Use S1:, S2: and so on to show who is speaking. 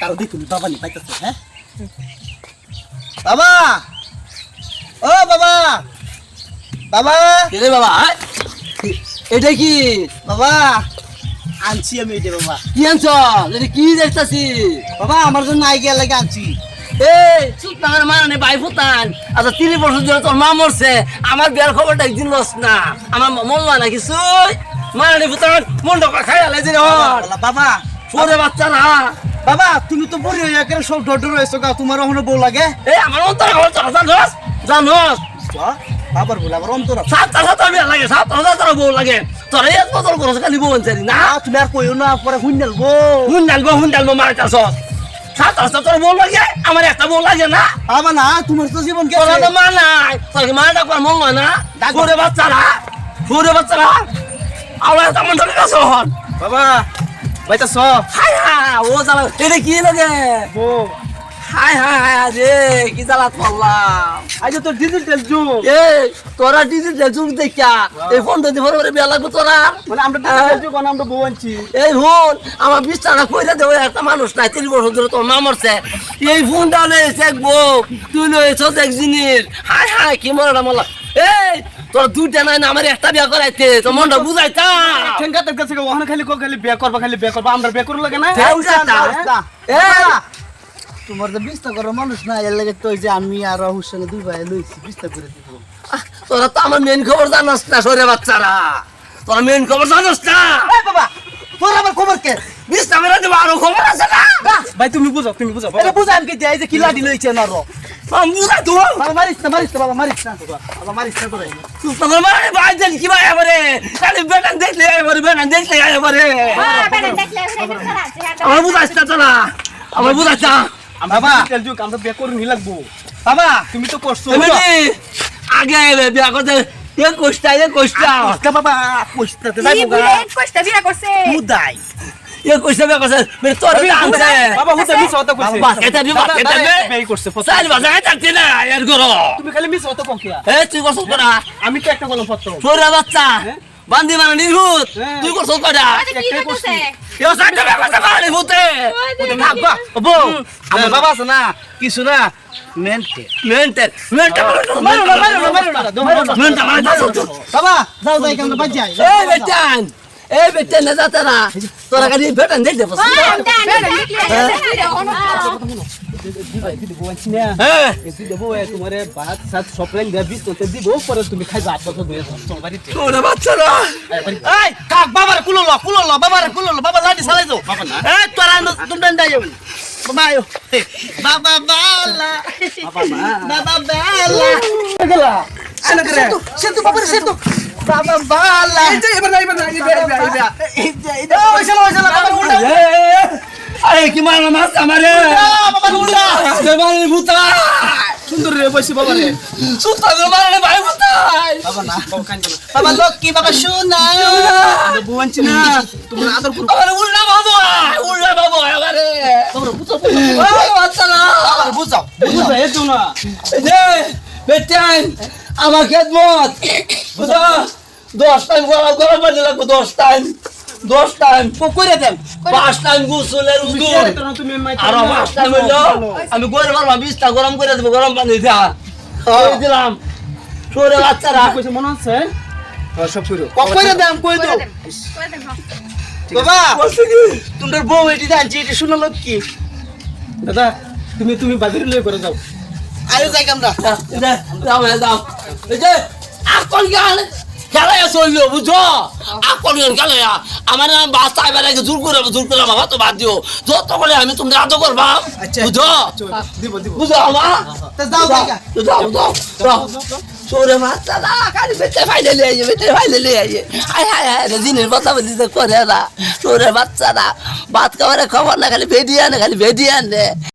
S1: কারো দেখুন বাবা নি পাইতেছে হ্যাঁ বাবা ও বাবা বাবা
S2: রে বাবা এটা কি
S1: বাবা আনছি আমি এটা বাবা
S2: কি আনছ এটা কি দেখতাছি
S1: বাবা আমার জন্য আইডিয়া লাগে আনছি
S2: এই চুপ না মানে ভাই ফুতান আচ্ছা 30 বছর ধরে তোর মা মরছে আমার বিয়ার খবরটা একদিন লস না আমার মন হয় না কিছু মানে ফুতান মনটা খাই আলাই যে
S1: বাবা
S2: ছোরে বাচ্চারা
S1: বাবা তুমি তো বড় হয়ে গেলে সব ডর হয়েছো গা তোমার ওখানে বউ লাগে
S2: এই আমার অন্তর খবর জানোস জানোস
S1: বাবার বলে আবার অন্তর
S2: সাতটা বিয়া লাগে 7,000 বউ লাগে তোর এই বদল করছ খালি বউ আনছারি না
S1: তুমি আর কইও না পরে হুইনালবো
S2: হুন্ডালবো মারতাছ 7,000 তোর বউ লাগে আমার একটা বউ লাগে না
S1: বাবা না তোমার তো জীবন
S2: তোর
S1: গেছে
S2: তো মা নাই তোর কি মা ডাকবার মন হয় না ছোরে বাচ্চারা আওলা তেমন ধরে গেছ
S1: বাবা বাইতাছ
S2: হাই হাই ও জ্বালা এটা কি লাগে
S1: বউ
S2: হাই হাই রে কি জ্বালা পড়লাম
S1: আজ তো ডিজিটাল যুগ
S2: এই তোরা ডিজিটাল যুগ দেখা এই ফোন দিতে ভরে বিয়া লাগবে তোরা
S1: মানে আমরা ডিজিটাল যুগ আমরা বউ আনছি
S2: এই ফোন আমার বিছানা কইরা দেবে একটা মানুষ নাই 30 বছর ধরে তোর মা মরছে এই ফোনটা লয়েছে এক বউ তুই লয়েছ এক জিনিস হাই হাই কি মরলা মরলা এই তোর দুইটা নাই না আমার একটা বিয়া করাইতে তোর মনটা বুঝাইতা
S1: ঠেঙ্গাতে কাছে ওখানে খালি বিয়ে করবা আমরা বিয়ে করব লাগে না তোমার তো বিস্তা করার মানুষ না এর লাগে তো যে আমি আর রাহুর সঙ্গে দুই ভাই লইছি বিস্তা করে দিব
S2: তোরা তো আমার মেন খবর জানাস না সরে বাচ্চারা তোরা মেন খবর জানাস না
S1: এই বাবা তোর আবার খবর কে
S2: বিস্তা মেরে দেবো আরো খবর আছে না
S1: ভাই তুমি বুঝো এটা বুঝা আমি কি এই যে কি লাডি লইছে না রো
S2: বুঝা তো
S1: বাবা মারিস না বাবা মারিস না করে
S2: তোর মানে ভাই দেন কি ভাই আমারে খালি বেটান দেখলে এবারে বেটান দেখলে এবারে আমার বুঝাস না তোরা আমার বুঝাস না
S1: বাবা ডিজিটাল যুগ আমরা বিয়ে করে নি লাগবো বাবা তুমি তো করছো
S2: আগে বিয়া করতে এ কষ্টা
S1: বাবা কইতে যাইবো মুদাই
S2: এ কষ্টা বিয়া করছে মেরে তোর আনছে
S1: বাবা হুতে মিছ হতা কইছে
S2: বাবা এটা
S1: বেই করছে
S2: সাইল বাজায় থাকতে না এর করো
S1: তুমি খালি মিছ হতা কোকিয়া
S2: এ তুই করছ করা
S1: আমি তো একটা বলম পত্র
S2: তোরা বাচ্চা বান্দি মানে নিহুত তুই করছ করা
S1: একটাই করছি
S2: এ সাইডে বিয়া করছে মানে নিহুতে
S1: বাবা বউ আমার বাবা আছে না কিছু না মেন্টে মারো না বাবা যাও যাই কেমন বাজ যাই
S2: এই বেটান না যাতা না তোরা গাড়ি বেটান দেখ দে বস হ্যাঁ
S1: তোমারে ভাত সাত সপ্লাইন দেবি তোতে দিব পরে তুমি খাইবা 8 বছর ধরে তোমার বাড়িতে
S2: ওরে বাচ্চারা
S1: এই কাক বাবার কুলো বাবার কুলো বাবা লাঠি চালাই দাও বাবা না এই তোরা তুমি ডাই যাও বাবা আয়ো বাবা বালা বাবা বালা গেলা আনা করে সেতু বাবা সেতু বাবা বালা এই যে এবার ওই শালা বাবা উল্টা
S2: আরে কি মারা মাছ আমারে
S1: বাবা উল্টা
S2: দেবানি ভূতা
S1: সুন্দর রে বসি বাবা রে
S2: সুতা দেবানি ভাই ভূতা
S1: বাবা না বাবা কান বাবা লক্ষ্মী বাবা সোনা বুয়ানছি না তোমরা আদর করো
S2: আরে উল্টা বাবা আমারে
S1: তোমরা বুঝো
S2: ও বাচ্চারা
S1: আবার বুঝাও এই তো না
S2: এই বেটান আমার খেদমত বুঝা 10 টাইম গরম পানি লাগবে 10 টাইম
S1: করে দেন
S2: 5 টাইম গোসলের উদুর
S1: তুমি
S2: আর 5 টাইম হইলো আমি গরম আর 20টা গরম করে দেব গরম পানি দিয়া কই দিলাম সরে বাচ্চারা
S1: কইছে মনে আছে সব কইরো কইরে দেন কই দাও বাবা
S2: বলছি কি
S1: তোমার বউ এটি জানছি এটি শুনো লোক কি দাদা তুমি বাজারে লয়ে করে যাও আয়ো যাই আমরা
S2: যাও এই যে আকল গান খেলায় চললো বুঝছো আকল গান খেলায় আমার বাচ্চা এবার জোর করে বাবা তো বাদ দিও যত করে আমি তোমরা আদর করবা বুঝছো
S1: দিব
S2: বুঝো আমা
S1: তা যাও
S2: যাও সরে বাচ্চা না খালি বেটে ফাইলে আইয়ে হাই দিনের কথা বলতে করে না সরে বাচ্চা না ভাত খাওয়ার খবর না খালি ভেডিয়ান রে